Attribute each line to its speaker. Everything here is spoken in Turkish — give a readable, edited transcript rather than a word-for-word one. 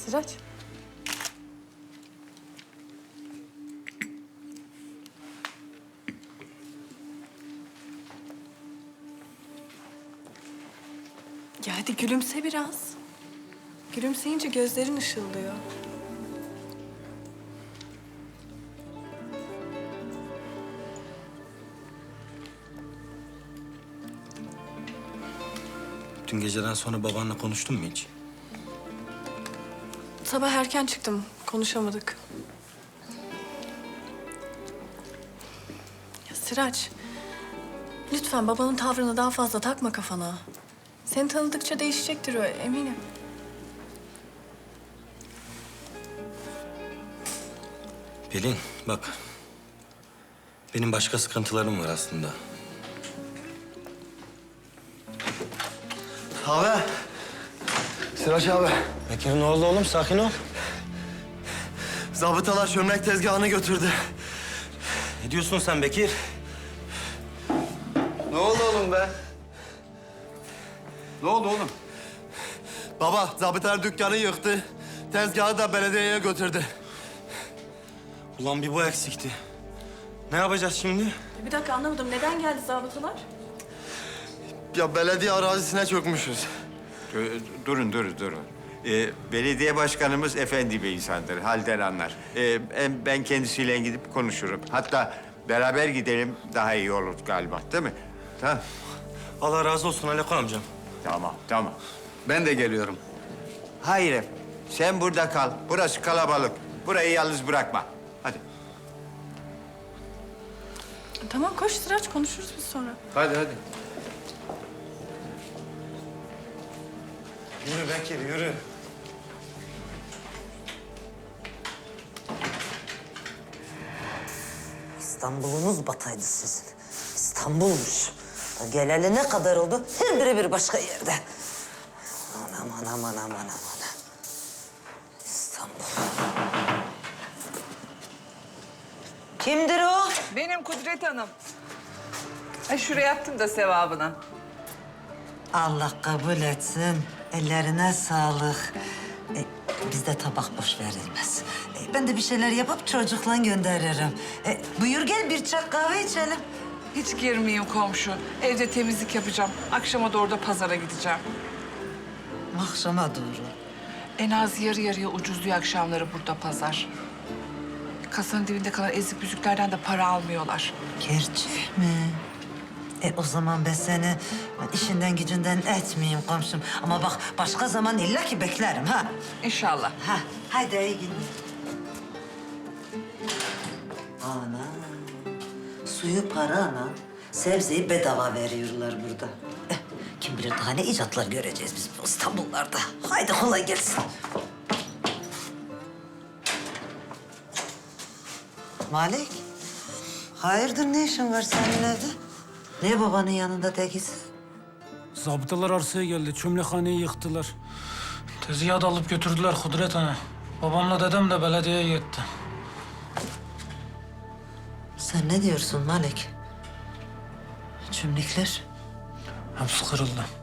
Speaker 1: Sıraç. Ya hadi gülümse biraz. Gülümseyince gözlerin ışıldıyor.
Speaker 2: Dün geceden sonra babanla konuştun mu hiç?
Speaker 1: Sabah erken çıktım. Konuşamadık. Ya Sıraç, lütfen babanın tavrını daha fazla takma kafana. Seni tanıdıkça değişecektir o, eminim.
Speaker 2: Pelin bak. Benim başka sıkıntılarım var aslında.
Speaker 3: Abi. Sıraç abi.
Speaker 2: Bekir ne oldu oğlum? Sakin ol.
Speaker 3: Zabıtalar çömlek tezgahını götürdü.
Speaker 2: Ne diyorsun sen Bekir?
Speaker 4: Ne oldu oğlum be? Ne oldu oğlum?
Speaker 3: Baba, zabıtalar dükkanı yıktı. Tezgahı da belediyeye götürdü.
Speaker 2: Ulan bir bu eksikti. Ne yapacağız şimdi?
Speaker 1: Bir dakika anlamadım. Neden geldi zabıtalar?
Speaker 3: Ya belediye arazisine çökmüşüz.
Speaker 4: Durun. Belediye başkanımız efendi bir insandır, halden anlar. Ben kendisiyle gidip konuşurum. Hatta beraber gidelim daha iyi olur galiba, değil mi? Tamam.
Speaker 2: Allah razı olsun Aleko amcam.
Speaker 4: Tamam.
Speaker 5: Ben de geliyorum.
Speaker 4: Hayır, sen burada kal. Burası kalabalık. Burayı yalnız bırakma. Hadi.
Speaker 1: Tamam koş Sıraç, konuşuruz biz sonra.
Speaker 5: Hadi.
Speaker 2: Yürü Bekir yürü.
Speaker 6: İstanbul'unuz bataydı sizin. İstanbul'muş. Geleli ne kadar oldu? Her biri bir başka yerde. Aman. İstanbul. Kimdir o?
Speaker 7: Benim Kudret Hanım. Şuraya attım da sevabına.
Speaker 6: Allah kabul etsin. Ellerine sağlık. Bizde tabak boş verilmez. Ben de bir şeyler yapıp çocukla gönderirim. Buyur gel bir çay kahve içelim.
Speaker 7: Hiç girmeyeyim komşu. Evde temizlik yapacağım. Akşama doğru da pazara gideceğim.
Speaker 6: Akşama doğru.
Speaker 7: En az yarı yarıya ucuzluyor akşamları burada pazar. Kasanın dibinde kalan ezik büzüklerden de para almıyorlar.
Speaker 6: Gerçek mi? O zaman ben seni işinden gücünden etmeyeyim komşum. Ama bak başka zaman illa ki beklerim ha.
Speaker 7: İnşallah.
Speaker 6: Ha, haydi iyi günler. Ana, suyu parayla sebzeyi bedava veriyorlar burada. Kim bilir daha ne icatlar göreceğiz biz bu İstanbullarda. Haydi kolay gelsin. Malik, hayırdır ne işin var senin evde? Ne babanın yanında tekiz?
Speaker 8: Zabıtalar arsaya geldi. Çömlekhaneyi yıktılar. Tezgahı da alıp götürdüler Kudret Ana. Babamla dedem de belediyeye gitti.
Speaker 6: Sen ne diyorsun Malik? Çömlekler?
Speaker 8: Hepsi kırıldı.